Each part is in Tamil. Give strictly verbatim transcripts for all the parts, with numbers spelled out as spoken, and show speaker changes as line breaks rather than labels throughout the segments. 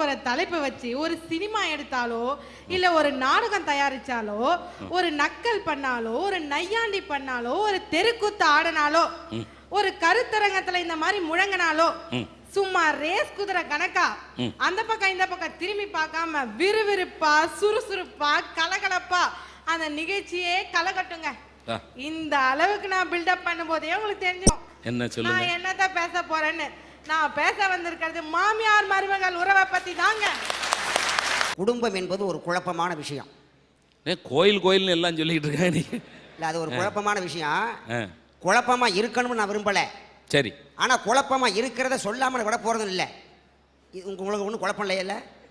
ஒரு தலைப்பை வச்சு ஒரு சினிமா எடுத்தாலோ இல்ல ஒரு நாடகம் தயாரிச்சாலோ ஒரு நக்கல் பண்ணாலோ ஒரு நையாண்டி பண்ணாலோ ஒரு தெருக்கூத்து ஆடினாலோ ஒரு கருத்தரங்கத்துல இந்த மாதிரி முழங்கினாலோ சும்மா ரேஸ் குதிரை கணக்கா அந்த பக்கம் இந்த பக்கம் திரும்பி பார்க்காம விறுவிறுப்பா சுறுசுறுப்பா கலகலப்பா அந்த நிகழ்ச்சியே கலகட்டுங்க. இந்த அளவுக்கு நான் பில்டப் பண்ணும் போதே உங்களுக்கு தெரிஞ்சிடும்
என்ன சொல்லுங்க,
நான் என்னதான் பேச போறேன்னு. நான் பேச வந்திருக்கிறது மாமியார் மருமகள் உறவை பத்தி தாங்க.
குடும்பம் என்பது ஒரு குழப்பமான விஷயம்.
கோயில் கோயில் எல்லாம் சொல்லிட்டு இருக்காங்க.
இல்ல அது ஒரு குழப்பமான விஷயம். குழப்பமா இருக்கணும்னு நான் விரும்பல.
சரி.
ஆனா குழப்பமா இருக்கிறத சொல்லாமல் விட போறதும் இல்லை. உங்களுக்கு ஒன்றும் குழப்பம் இல்லையில.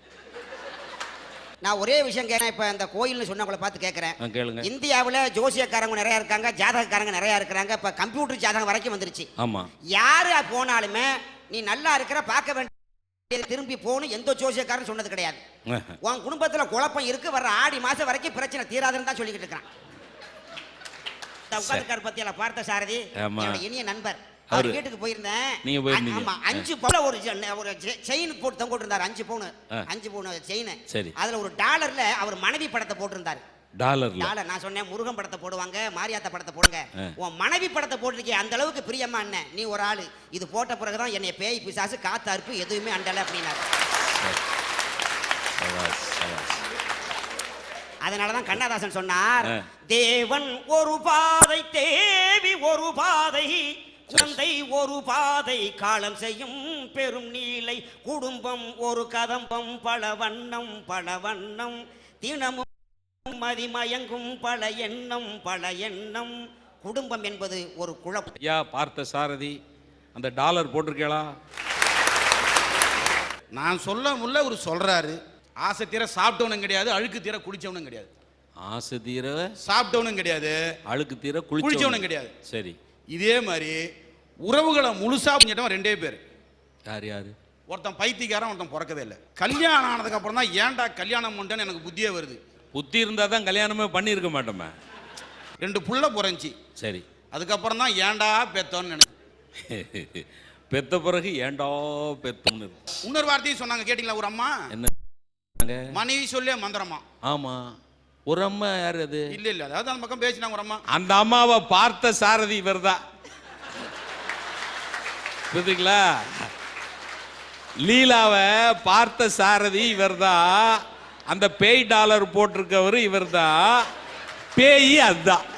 நான் ஒரே விஷயம் கேட்கிறேன். இப்போ இந்த கோயில்னு சொன்னவங்களை பார்த்து கேட்குறேன். இந்தியாவில் ஜோசியக்காரங்க நிறையா இருக்காங்க, ஜாதகக்காரங்க நிறையா இருக்கிறாங்க. இப்போ கம்ப்யூட்டர் ஜாதகம் வரைக்கும் வந்துருச்சு. ஆமாம். யார் போனாலுமே நீ நல்லா இருக்கிற பார்க்க வேண்டிய திரும்பி போகணும் எந்த ஜோசியக்காரன் சொன்னது கிடையாது. உன் குடும்பத்தில் குழப்பம் இருக்கு, வர்ற ஆடி மாதம் வரைக்கும் பிரச்சனை தீராதுன்னு தான் சொல்லிக்கிட்டு இருக்கிறான். உட்காந்துக்கார் பத்தி எல்லாம் பார்த்த சாரதி இனிய நண்பர். அவர் வீட்டுக்கு போயிருந்தேன். ஆமா, அஞ்சு பவுன் ஒரு ஒரு செயின் போட்டு தொங்க இருந்தாரு. அஞ்சு பவுன் அஞ்சு பவுன் செயின். அதுல ஒரு டாலர்ல அவர் மனைவி படத்தை போட்டிருந்தாரு. டாலர் டாலர் நான் சொன்னேன் முருகன் படத்தை போடுவாங்க, மாரியாத்தா படத்தை போடுங்க. உன் மனைவி படத்தை போட்டிருக்கே அந்த அளவுக்கு பிரியமா என்ன நீ ஒரு ஆளு. இது போட்ட பிறகுதான் என்னை பேய் பிசாசு காத்து அறுப்பு எதுவுமே அண்டல அப்படின்னாரு. அதனாலதான் கண்ணதாசன் சொன்னார், தேவன் ஒரு பாதை தேவி ஒரு பாதை குழந்தை ஒரு பாதை காலம் செய்யும் பெரும் நீலை குடும்பம் ஒரு கதம்பம் பல வண்ணம் பல வண்ணம் தினமும் மதிமயங்கும் பல எண்ணம் பல எண்ணம். குடும்பம் என்பது ஒரு குழப்பம்.
ஐயா பார்த்த சாரதி அந்த டாலர் போட்டிருக்கீங்களா?
நான் சொல்ல முல்ல ஒரு சொல்றாரு. ஆசை தீர சாப்பிட்டவனும் கிடையாது, அழுக்கு தீர குடிச்சவனும் கிடையாது.
ஆசை தீர
சாப்பிட்டவனும் கிடையாது,
அழுக்கு தீர
குளிச்சவனும் கிடையாது.
சரி.
இதே மாதிரி உறவுகளை முழுசா புரிஞ்சிட்டவன் ரெண்டே பேர்.
யார் யாரு?
ஒருத்தன் பைத்தியக்காரன், ஒருத்தன் பிறக்கவே இல்லை. கல்யாணம் ஆனதுக்கு அப்புறம் தான் ஏன்டா கல்யாணம் பண்ணுன்னு எனக்கு புத்தியே வருது.
புத்தி இருந்தா தான் கல்யாணமே பண்ணியிருக்க மாட்டோமே.
ரெண்டு புள்ள பிறந்துச்சு.
சரி.
அதுக்கப்புறம் தான் ஏன்டா பெத்தோன்னு நினைச்சு.
பெத்த பிறகு ஏன்டா பெத்தோன்னு
இன்னொரு வார்த்தையும் சொன்னாங்க கேட்டீங்களா? ஒரு அம்மா
என்ன
மனைவி சொல்லே மந்திரமா.
ஆமா, ஒரு அம்மா யாரு அது?
இல்ல இல்ல அதாவது அந்த பக்கம் பேசினாங்க ஒரு அம்மா.
அந்த அம்மாவை பார்த்த சாரதி இவர்தான். புரியுதுங்களா? லீலாவை பார்த்த சாரதி இவர்தான். அந்த பேய் டாலர் போட்டிருக்கவர் இவர்தான். பேய் அதுதான்.